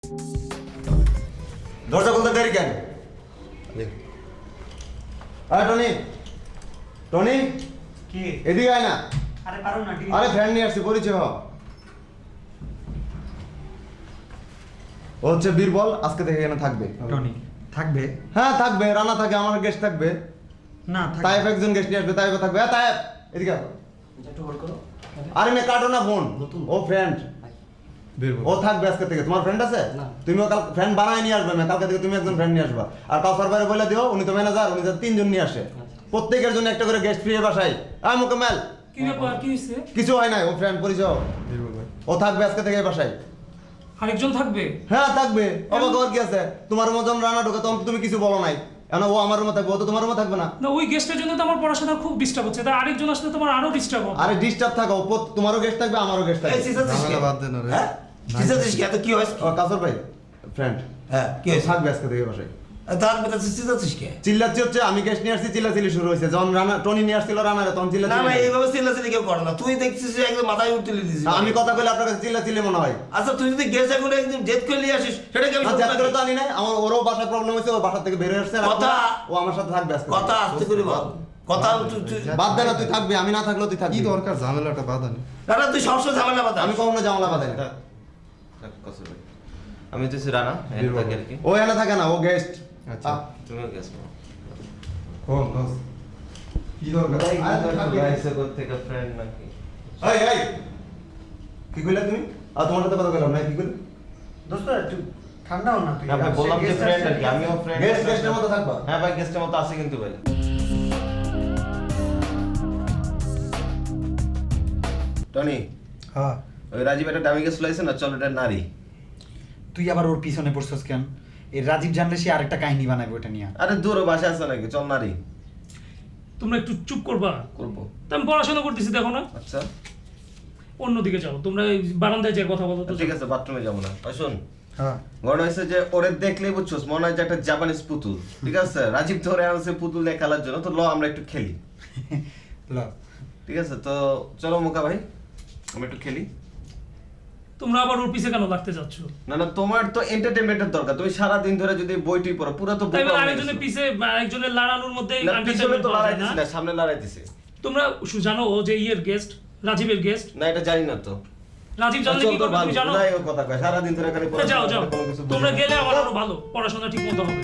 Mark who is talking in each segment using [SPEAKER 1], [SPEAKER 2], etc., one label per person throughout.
[SPEAKER 1] দরজা খুলতে দেরি কেন? আরে টনি, টনি
[SPEAKER 2] কি
[SPEAKER 1] এদিকে আয় না।
[SPEAKER 2] আরে পারো না ঠিক
[SPEAKER 1] আরে ফ্রেন্ড নিয়ে আসছি, পরিচয় হ। ও হচ্ছে বীরবল, আজকে থেকে এখানে থাকবে।
[SPEAKER 2] টনি থাকবে?
[SPEAKER 1] হ্যাঁ থাকবে, রানা থাকে, আমার গেস্ট থাকবে।
[SPEAKER 2] না থাকবে।
[SPEAKER 1] তাইফ একজন গেস্ট নিয়ে আসবে, তাইফ থাকবে। হ্যাঁ তাইফ এদিকে আয়।
[SPEAKER 2] একটু হোল্ড করো।
[SPEAKER 1] আরে না কাটো না ফোন, ও ফ্রেন্ড। ও থাকবে আজকে থেকে। তোমার ফ্রেন্ড আছে? তুমিও কাল ফ্রেন্ড বানায় নিয়ে আসবে না, কালকে থেকে তুমি একজন ফ্রেন্ড নিয়ে আসবা। আর কাউসার ভাইরে বলে দিও, উনি তো ম্যানেজার, উনি তো 3 জন নিয়ে আসে। প্রত্যেকের জন্য একটা করে গেস্ট ফ্রি বাসায়। আয় মোকাম্মেল।
[SPEAKER 2] কি ব্যাপার, কি হইছে?
[SPEAKER 1] কিছু হয় নাই, ও ফ্রেন্ড পরিচয়। ও থাকবে আজকে থেকে এই বাসায়।
[SPEAKER 2] আরেকজন থাকবে?
[SPEAKER 1] হ্যাঁ থাকবে। অবাক হওয়ার কি আছে? তোমার মতন রানা ঢোকে তখন তুমি কিছু বলো নাই। এখন ও আমার রুমে থাকবে, ও তো তোমার রুমে থাকবে না।
[SPEAKER 2] না ওই গেস্টের জন্য তো আমার পড়াশোনা খুব ডিস্টার্ব হচ্ছে, তাই আরেকজন আসলে তোমার আরো ডিস্টার্ব হবে।
[SPEAKER 1] আরে ডিস্টার্ব থাকো, তোমারও গেস্ট থাকবে, আমারও গেস্ট থাকবে।
[SPEAKER 3] বাদ দেন রে।
[SPEAKER 4] হ্যাঁ চিন্তাছিস কি? এত কি হয়েছে?
[SPEAKER 1] ও কাসর ভাই ফ্রেন্ড।
[SPEAKER 4] হ্যাঁ কি হয়েছে?
[SPEAKER 1] থাকবে আজকে থেকে এই বাসায়।
[SPEAKER 4] তার বেটা চিন্তাছিস কে?
[SPEAKER 1] চিল্লাচ্ছি হচ্ছে আমি গেস্ট নিয়ে আসছি, চিল্লাচিল্লি শুরু হয়েছে। যখন রানা টনি নিয়ে আসছিল রানারে, তখন
[SPEAKER 4] না
[SPEAKER 1] চিল্লাচিল্লি।
[SPEAKER 4] না এইভাবে চিল্লাচিল্লি কেউ করে না। তুই দেখছিস যে একদম মাথায় উঠতে দিছিস।
[SPEAKER 1] আমি কথা কইলে আপনার কাছে চিল্লাচিল্লি মনে হয়।
[SPEAKER 4] আচ্ছা তুই যদি গেস এখন একদম জেদ করে নিয়ে আসিস সেটা কি আমি
[SPEAKER 1] না
[SPEAKER 4] শুনবো
[SPEAKER 1] যাত্রা
[SPEAKER 4] নাকি?
[SPEAKER 1] তো আনি নাই, আমার ওরও বাসায় প্রবলেম হয়েছে, ও বাসা থেকে বের হয়ে আসছে। আর
[SPEAKER 4] কথা-
[SPEAKER 1] ও আমার সাথে থাকবে আজকে।
[SPEAKER 4] কথা আস্তে করে বল। কথা
[SPEAKER 1] বাদ দে না, তুই থাকবি, আমি না থাকলেও তুই থাকবি।
[SPEAKER 3] কি দরকার ঝামেলাটা বাঁধানি?
[SPEAKER 4] দাদা তুই সবসময় ঝামেলা বাধা।
[SPEAKER 1] আমি কখনো জামলা বাঁধাই না।
[SPEAKER 5] আমি তো রানা এখানে থাকি আর কি।
[SPEAKER 1] ও এখানে থাকে না, ও গেস্ট।
[SPEAKER 3] আচ্ছা
[SPEAKER 5] তুমিও গেছো
[SPEAKER 3] কোন দোস্ত? কি দরকার?
[SPEAKER 5] গাইছে থেকে ফ্রেন্ড নাকি?
[SPEAKER 1] এই এই কি কইলা তুমি? আর তোমার সাথে কথা কইলাম না, কি কইলা?
[SPEAKER 2] দোস্ত একটু ঠান্ডা হও না তুই।
[SPEAKER 5] না ভাই বললাম যে ফ্রেন্ড আর কি, আমিও ফ্রেন্ড।
[SPEAKER 1] গেস্টের মতো থাকবা।
[SPEAKER 5] হ্যাঁ ভাই গেস্টের মতো আছে কিন্তু ভাই। টনি
[SPEAKER 2] হ্যাঁ
[SPEAKER 5] ওই রাজীব একটা দামি গেস্ট লাইছে না, চল এটা নারী।
[SPEAKER 6] তুই আবার ওর পিছনে পড়ছস কেন? এই রাজীব জানলে সে আরেকটা কাহিনী বানাবে ওটা নিয়ে।
[SPEAKER 5] আরে দূর বাসা আছে নাকি, চল নারী
[SPEAKER 2] তোমরা একটু চুপ করবা।
[SPEAKER 5] করবো।
[SPEAKER 2] তো আমি পড়াশোনা করতেছি, দেখো না।
[SPEAKER 5] আচ্ছা
[SPEAKER 2] অন্যদিকে যাও, তোমরা এই বারান্দায় যে কথা বলো তো।
[SPEAKER 5] ঠিক আছে, বাথরুমে যাবো না। ওই শোন,
[SPEAKER 6] হ্যাঁ
[SPEAKER 5] ঘটনা হয়েছে যে ওরে দেখলেই বুঝছোস মনে হয় যে একটা জাপানিজ পুতুল। ঠিক আছে, রাজীব ধরে আনছে পুতুল দিয়ে খেলার জন্য, তো ল আমরা একটু খেলি।
[SPEAKER 6] ল
[SPEAKER 5] ঠিক আছে, তো চলো মুকা ভাই আমরা একটু খেলি।
[SPEAKER 2] তোমরা আবার ওর পিছে কেন লাগতে যাচ্ছ?
[SPEAKER 5] না না, তোমার তো এন্টারটেইনমেন্টের দরকার। তুমি সারা দিন ধরে যদি বইটি পড়ো পুরো তো
[SPEAKER 2] তাই
[SPEAKER 5] বোকা হয়ে
[SPEAKER 2] আরেকজনের
[SPEAKER 5] গেছো।
[SPEAKER 2] পিছে আরেকজনের লড়ানোর মধ্যে
[SPEAKER 5] না, পিছনে তো লড়াই দিছে
[SPEAKER 2] না।
[SPEAKER 5] না, সামনে লড়াই দিছে।
[SPEAKER 2] তোমরা জানো ও যে ইয়ের গেস্ট, রাজীবের গেস্ট।
[SPEAKER 5] না এটা জানি না তো।
[SPEAKER 2] রাজীব জানলে
[SPEAKER 5] চল
[SPEAKER 2] কি
[SPEAKER 5] তো
[SPEAKER 2] করবে
[SPEAKER 5] ভালো,
[SPEAKER 2] তুমি জানো?
[SPEAKER 5] যাই ও কথা কয়, সারা দিন ধরে খালি
[SPEAKER 2] তা যাও যাও,
[SPEAKER 5] কোনো কিছু বুঝি
[SPEAKER 2] তোমরা
[SPEAKER 5] না।
[SPEAKER 2] গেলে আমার আরো ভালো, পড়াশোনা ঠিক মতো হবে।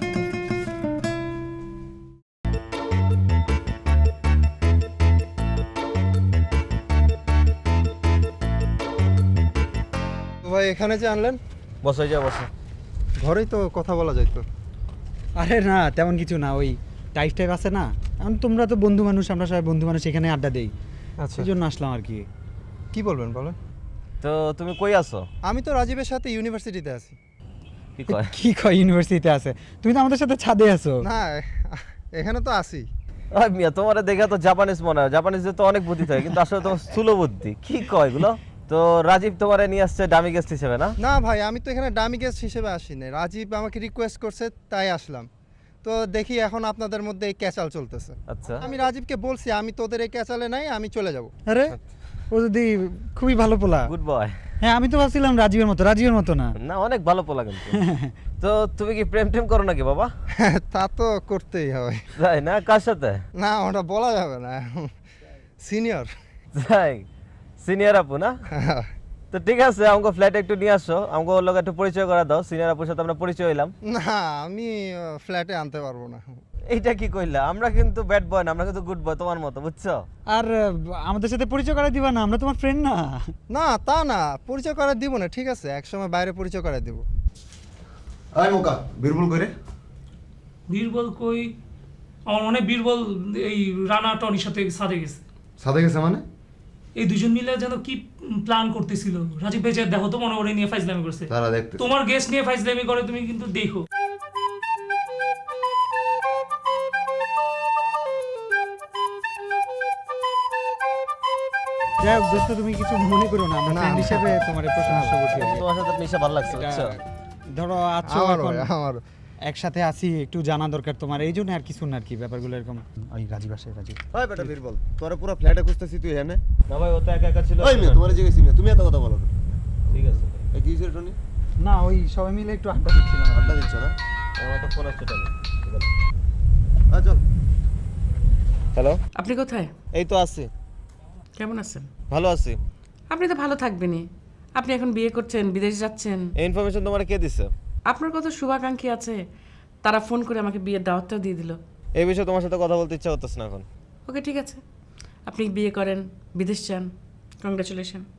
[SPEAKER 3] তো ভাই এখানে যে আনলেন,
[SPEAKER 5] বসে যা বসে।
[SPEAKER 3] ঘরেই তো কথা বলা যাইতো।
[SPEAKER 6] আরে না তেমন কিছু না, ওই টাইপ টাইপ আছে না, এখন তোমরা তো বন্ধু মানুষ, আমরা সবাই বন্ধু মানুষ, এখানে আড্ডা দেই,
[SPEAKER 3] আচ্ছা
[SPEAKER 6] সেই জন্য আসলাম আর কি।
[SPEAKER 3] কি বলবেন বলেন?
[SPEAKER 5] তো তুমি কই আছো?
[SPEAKER 3] আমি তো রাজীবের সাথে ইউনিভার্সিটিতে আছি।
[SPEAKER 5] কি কয়?
[SPEAKER 6] কি কয় ইউনিভার্সিটিতে আছে? তুমি তো আমাদের সাথে ছাদে আছো।
[SPEAKER 3] না এখানে তো আছি।
[SPEAKER 5] ওই মিয়া তোমারে দেখে তো জাপানিজ মনে হয়, জাপানিজে তো অনেক বুদ্ধি থাকে, কিন্তু আসলে তোমার স্থূল বুদ্ধি। কি কয় এগুলো? তো রাজীব তোমারে নিয়ে আসছে ডামি গেস্ট হিসেবে না?
[SPEAKER 3] না ভাই আমি তো এখানে ডামি গেস্ট হিসেবে আসিনি, রাজীব আমাকে রিকোয়েস্ট করছে তাই আসলাম। তো দেখি এখন আপনাদের মধ্যে এই ক্যাচাল চলতেছে।
[SPEAKER 5] আচ্ছা
[SPEAKER 3] আমি রাজীবকে বলছি আমি তোদের এই ক্যাচালে নাই, আমি চলে যাব।
[SPEAKER 6] আরে ও যদি খুবই ভালো পোলা।
[SPEAKER 5] Good boy.
[SPEAKER 6] হ্যাঁ আমি তো ভাবছিলাম রাজীবের মতো, রাজীবের মতো না।
[SPEAKER 5] না অনেক ভালো পোলা কিন্তু। তো তুমি কি প্রেম টেম করো নাকি বাবা?
[SPEAKER 3] তা তো করতেই হবে।
[SPEAKER 5] তাই না, কার সাথে?
[SPEAKER 3] না ওটা বলা যাবে না, সিনিয়র।
[SPEAKER 5] তাই সিনিয়র আপু না? তো ঠিক আছে, আমাকে ফ্ল্যাটে একটু নিয়ে আসো, আমাকে ওর লোক একটু পরিচয় করে দাও। সিনিয়র আপুর সাথে আমরা পরিচয় হইলাম।
[SPEAKER 3] না আমি ফ্ল্যাটে আনতে পারবো না।
[SPEAKER 5] এইটা কি কইলা? আমরা কিন্তু ব্যাড বয় না, আমরা কিন্তু গুড বয় তোমার মতো, বুঝছো?
[SPEAKER 6] আর আমাদের সাথে পরিচয় করাই দিবা না? আমরা তোমার ফ্রেন্ড না?
[SPEAKER 3] না তা না, পরিচয় করে দিব না, ঠিক আছে একসময় বাইরে পরিচয় করে দিব।
[SPEAKER 1] আয় মোকা, বীরবল কইরে।
[SPEAKER 2] বীরবল কই? আমার মনে হয় বীরবল এই রানা টনির সাথে সাথে গেছে।
[SPEAKER 1] সাথে গেছে মানে?
[SPEAKER 2] এই দুজন মিলে যেন কি প্ল্যান করতেছিল। রাজীব ভাই যে দেখো তো মনে ওরে নিয়ে ফাইজলামি করছে।
[SPEAKER 1] তারা দেখতে।
[SPEAKER 2] তোমার গেস্ট নিয়ে ফাইজলামি করে, তুমি কিন্তু দেখো।
[SPEAKER 6] যাই হোক দোস্ত, তুমি কিছু মনে করো না, আমরা
[SPEAKER 3] না,
[SPEAKER 6] ফ্রেন্ড
[SPEAKER 3] না।
[SPEAKER 6] হিসেবে তোমার প্রশংসা করছি আর কি।
[SPEAKER 5] তোমার সাথে মিশে ভালো লাগছে,
[SPEAKER 6] এটা
[SPEAKER 5] বুঝছো?
[SPEAKER 6] ধরো আছো
[SPEAKER 3] আমারও
[SPEAKER 6] এখন
[SPEAKER 3] আমারও।
[SPEAKER 6] একসাথে আছি, একটু জানা দরকার তোমার, এই জন্য আর কিছু না আর কি, ব্যাপারগুলো এরকম। ওই রাজীব আসে, রাজীব।
[SPEAKER 1] ওই বেটা বীরবল, তোরা পুরো ফ্ল্যাটে খুঁজতেছি, তুই এখানে?
[SPEAKER 5] না ভাই ও তো একা একা ছিল।
[SPEAKER 1] ওই মেয়ে তোমার জিজ্ঞেসি না, তুমি এত কথা বলো না।
[SPEAKER 5] ঠিক আছে।
[SPEAKER 1] এই কি হইছে টনি?
[SPEAKER 6] না ওই সবাই মিলে একটু আড্ডা দিচ্ছিলাম।
[SPEAKER 1] আড্ডা দিচ্ছ না?
[SPEAKER 5] আমার একটা ফোন আসছে টানি।
[SPEAKER 1] চল।
[SPEAKER 5] হ্যালো,
[SPEAKER 7] আপনি কোথায়?
[SPEAKER 5] এই তো আছি,
[SPEAKER 7] কেমন আছেন?
[SPEAKER 5] ভালো আছি।
[SPEAKER 7] আপনি তো ভালো থাকবেনই। আপনি এখন বিয়ে করছেন, বিদেশ যাচ্ছেন।
[SPEAKER 5] এই ইনফরমেশন তোমার কে দিছে?
[SPEAKER 7] আপনার কত শুভাকাঙ্ক্ষী আছে, তারা ফোন করে আমাকে বিয়ের দাওয়াতটাও দিয়ে দিল।
[SPEAKER 5] এই বিষয়ে তোমার সাথে কথা বলতে ইচ্ছা করতেছ না এখন।
[SPEAKER 7] ওকে ঠিক আছে, আপনি বিয়ে করেন, বিদেশ যান, কংগ্রাচুলেশন।